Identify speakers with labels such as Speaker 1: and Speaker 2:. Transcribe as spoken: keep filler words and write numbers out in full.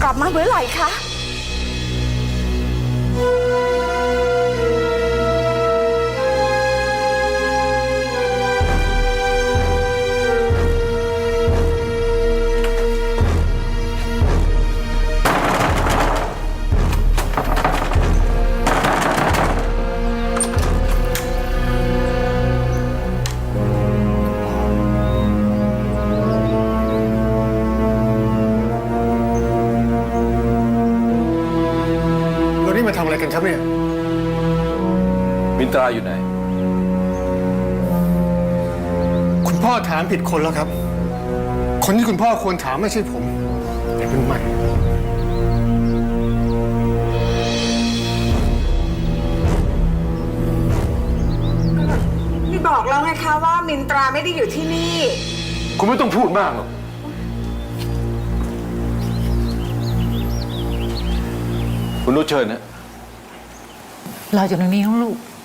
Speaker 1: ลับมาเมื่อไหร่คะ
Speaker 2: มาทำอะไรกันครับเนี่ย
Speaker 3: มินตราอยู่ไหน
Speaker 2: คุณพ่อถามผิดคนแล้วครับคนที่คุณพ่อควรถามไม่ใช่ผมแต่เป็นมัน
Speaker 1: นี่บอกแล้วไงคะว่ามินตราไม่ได้อยู่ที่นี่
Speaker 3: คุณไม่ต้องพูดมากหรอกคุณนุชเชิญนะ
Speaker 4: รออยู่ตรงนี้ของลูก